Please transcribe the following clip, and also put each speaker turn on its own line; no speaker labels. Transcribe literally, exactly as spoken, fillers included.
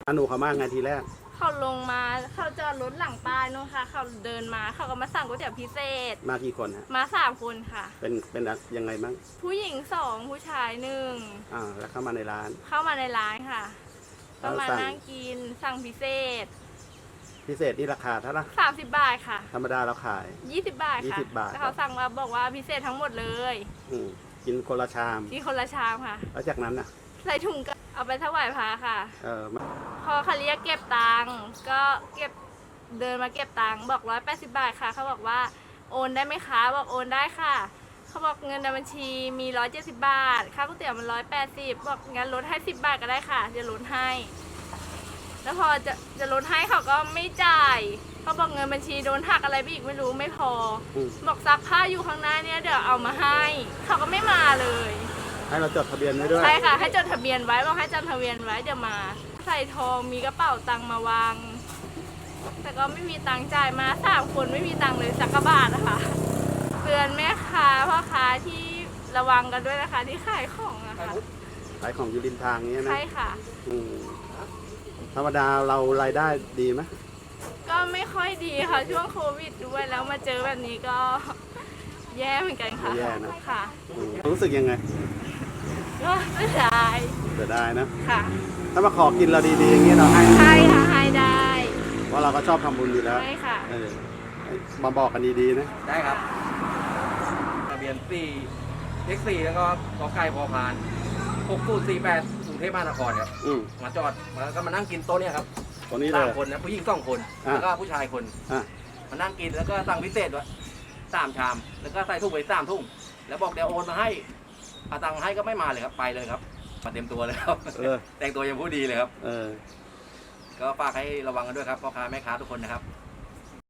อนุเขามาไงทีแรก
เขาลงมาเขาจอดรถหลังป้ายนู่นค่ะเขาเดินมาเขาก็มาสั่งก๋วยเตี๋ยวพิเศษ
มากี่คนฮะ
มาสามคนค่ะ
เป็นเป็นยังไงบ้าง
ผู้หญิงสองผู้ชายหนึ่ง
อ่าแล้วเข้ามาในร้าน
เข้ามาในร้านค่ะก็มานั่งกินสั่งพิเศษ
พิเศษนี่ราคาเท่าไหร่
สามสิบบาทค่ะ
ธรรมดาเราขาย
ยี่สิบบาทค่ะยี่สิบบาทเขาสั่งมาบอกว่าพิเศษทั้งหมดเลย
อืมกินคนละชาม
กินคนละชามค่ะ
แล้วจากนั้นน่ะ
ใส่ถุงก็เอาไปถวายพระค่ะ
เออ
พอเขาเรียกเก็บตังค์ก็เก็บเดินมาเก็บตังค์บอกร้อยแปดสิบบาทค่ะเขาบอกว่าโอนได้ไหมคะบอกโอนได้ค่ะเขาบอกเงินในบัญชีมีร้อยเจ็ดสิบบาทค่าก๋วยเตี๋ยวมันร้อยแปดสิบบอกงั้นลดให้สิบบาทก็ได้ค่ะจะลดให้แล้วพอจะจะลดให้เขาก็ไม่จ่ายเขาบอกเงินบัญชีโดนหักอะไรไปอีกไม่รู้ไม่พอบอกซักผ้าอยู่ข้างหน้าเนี่ยเดี๋ยวเอามาให้เขาก็ไม่มาเลย
ให้เราจดทะเบียนไว้ด้วย
ใช่ค่ะให้จดทะเบียนไว้บอกให้จดทะเบียนไว้เดี๋ยวมาใส่ทองมีกระเป๋าตังค์มาวางแต่ก็ไม่มีตังค์จ่ายมาสามคนไม่มีตังค์เลยสักกระบาทนะคะเตือนแม่ค้าพ่อค้าที่ระวังกันด้วยนะคะที่ขายของนะคะ
ขายของอยู่ริมทางนี้นะ
ใช่ค่ะ
ธรรมดาเรารายได้ดีไหม
ก็ไม่ค่อยดีค่ะช่วงโควิดด้วยแล้วมาเจอแบบนี้ก็แย่เหมือนกันค่ะ
แย่นะ
ค่ะ
รู้สึกยังไง
ก็เสียดาย
เสียดายนะ
ค่ะ
ถ้ามาขอกินเราดีๆอย่างนี้เราให้
ใช่ค่ะให้ได้
เพราะเราก็ชอบทำบุญอยู่แล้ว
ใช่ค่ะ
มาบอกกันดีๆนะ
ได้ครับทะเบียนสี่เอ็กสี่แล้วก็กอไก่พอพานหกศูนย์สี่แปดกรุงเทพมหานครครับมาจอดแล้วก็มานั่งกินโต๊ะเนี่ยครับ
ตัวนี้เลย
สามคนนะผู้หญิงสองคนแล้วก็ผู้ชายคนมานั่งกินแล้วก็สั่งพิเศษด้วยสามชามแล้วก็ใส่ถุงไปสามถุงแล้วบอกเดี๋ยวโอนมาให้เอาตังค์ให้ก็ไม่มาเลยครับไปเลยครับมาเต็มตัวเลยครับแต่งตัวยังผู้ดีเลยครับก็ฝากให้ระวังกันด้วยครับพ่อค้าแม่ค้าทุกคนนะครับ